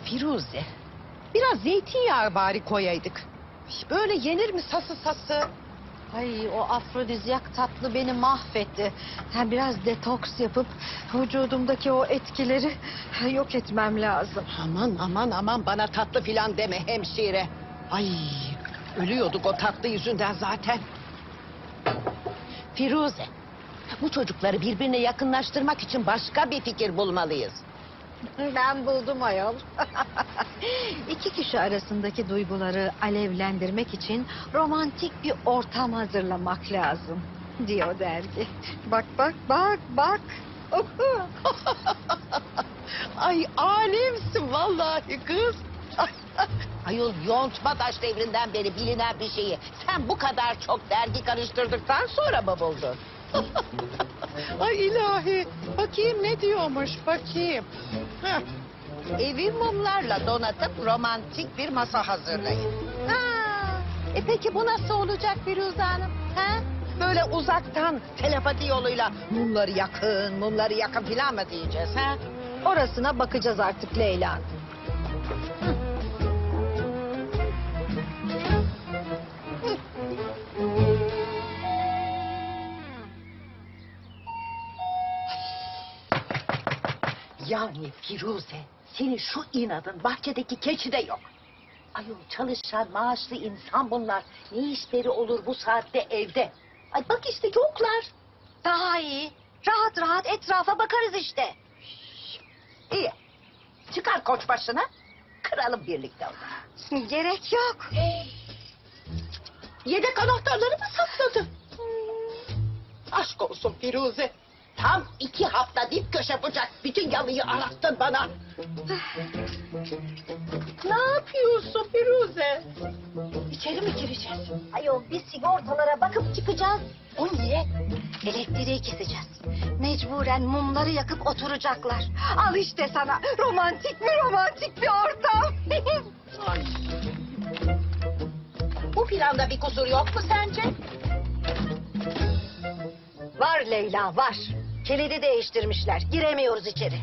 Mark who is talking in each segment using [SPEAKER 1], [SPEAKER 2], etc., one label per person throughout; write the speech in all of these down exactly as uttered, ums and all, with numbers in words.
[SPEAKER 1] Firuze, biraz zeytinyağı bari koyaydık. Böyle yenir mi sası sası?
[SPEAKER 2] Ay o afrodizyak tatlı beni mahvetti. Ben biraz detoks yapıp vücudumdaki o etkileri yok etmem lazım.
[SPEAKER 1] Aman aman aman bana tatlı filan deme hemşire. Ay ölüyorduk o tatlı yüzünden zaten. Firuze, bu çocukları birbirine yakınlaştırmak için başka bir fikir bulmalıyız.
[SPEAKER 2] Ben buldum ayol. İki kişi arasındaki duyguları alevlendirmek için romantik bir ortam hazırlamak lazım diyor dergi. Bak bak bak bak.
[SPEAKER 1] Ay alemsin vallahi kız. Ayol yontma taş devrinden beri bilinen bir şeyi sen bu kadar çok dergi karıştırdıktan sonra mı buldun? Ay ilahi. Bakayım ne diyormuş bakayım. Heh. Evi mumlarla donatıp romantik bir masa hazırlayın. Ha. E peki bu nasıl olacak Firuze Hanım? Ha? Böyle uzaktan telepati yoluyla mumları yakın, mumları yakın filan mı diyeceğiz? Ha?
[SPEAKER 2] Orasına bakacağız artık Leyla Hanım.
[SPEAKER 1] Yani Firuze, senin şu inadın bahçedeki keçi de yok. Ayol çalışan maaşlı insan bunlar. Ne işleri olur bu saatte evde? Ay bak işte yoklar.
[SPEAKER 2] Daha iyi. Rahat rahat etrafa bakarız işte.
[SPEAKER 1] İyi. Çıkar koç başına. Kıralım birlikte onu.
[SPEAKER 2] Gerek yok.
[SPEAKER 1] Yedek anahtarları mı sakladın? Aşk olsun Firuze. Tam iki hafta dip köşe bucak bütün yalıyı arattın bana. Ne yapıyorsun Firuze? İçeri mi gireceğiz?
[SPEAKER 2] Ayol biz sigortalara bakıp çıkacağız.
[SPEAKER 1] O niye?
[SPEAKER 2] Elektriği keseceğiz. Mecburen mumları yakıp oturacaklar. Al işte sana romantik mi romantik bir ortam.
[SPEAKER 1] Ay. Bu planda bir kusur yok mu sence?
[SPEAKER 2] Var Leyla var. Kilidi değiştirmişler. Giremiyoruz içeri.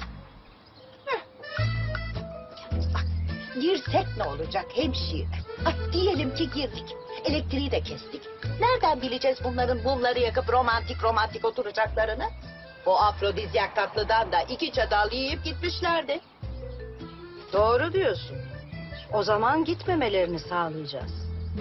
[SPEAKER 1] Bak, girsek ne olacak hemşire? Ay, diyelim ki girdik. Elektriği de kestik. Nereden bileceğiz bunların mumları yakıp romantik romantik oturacaklarını? O afrodizyak tatlıdan da iki çatal yiyip gitmişlerdi.
[SPEAKER 2] Doğru diyorsun. O zaman gitmemelerini sağlayacağız.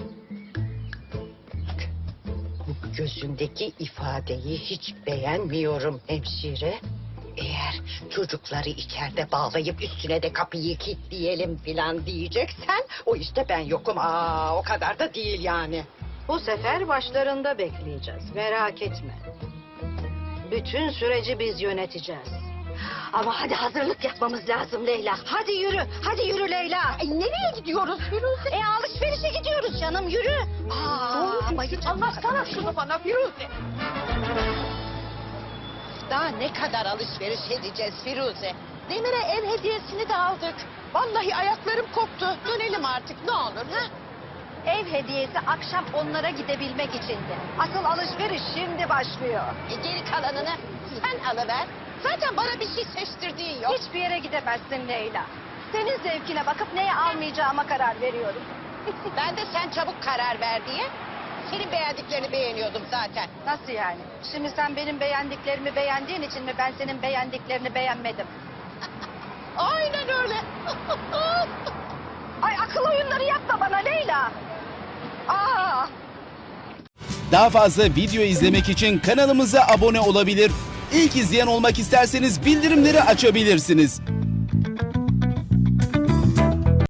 [SPEAKER 1] Bu gözündeki ifadeyi hiç beğenmiyorum hemşire. Eğer çocukları içeride bağlayıp üstüne de kapıyı kilitleyelim filan diyeceksen... ...o işte ben yokum. Aa, o kadar da değil yani.
[SPEAKER 2] Bu sefer başlarında bekleyeceğiz. Merak etme. Bütün süreci biz yöneteceğiz. Ama hadi hazırlık yapmamız lazım Leyla. Hadi yürü, hadi yürü Leyla.
[SPEAKER 1] Ay, nereye gidiyoruz Firuze?
[SPEAKER 2] E alışverişe gidiyoruz canım, yürü. Aa, bayılacağım.
[SPEAKER 1] Anlatsana şunu bana Firuze. Daha ne kadar alışveriş edeceğiz Firuze? Demir'e ev hediyesini de aldık. Vallahi ayaklarım koptu. Dönelim artık ne olur ha?
[SPEAKER 2] Ev hediyesi akşam onlara gidebilmek içindi. Asıl alışveriş şimdi başlıyor.
[SPEAKER 1] E, geri kalanını sen alıver. Zaten bana bir şey seçtirdiğin yok.
[SPEAKER 2] Hiçbir yere gidemezsin Leyla. Senin zevkine bakıp neye almayacağıma karar veriyorum.
[SPEAKER 1] Ben de sen çabuk karar ver diye senin beğendiklerini beğeniyordum zaten.
[SPEAKER 2] Nasıl yani? Şimdi sen benim beğendiklerimi beğendiğin için mi ben senin beğendiklerini beğenmedim?
[SPEAKER 1] Aynen öyle.
[SPEAKER 2] Ay akıl oyunları yapma bana Leyla. Aa!
[SPEAKER 3] Daha fazla video izlemek için kanalımıza abone olabilir. İlk izleyen olmak isterseniz bildirimleri açabilirsiniz.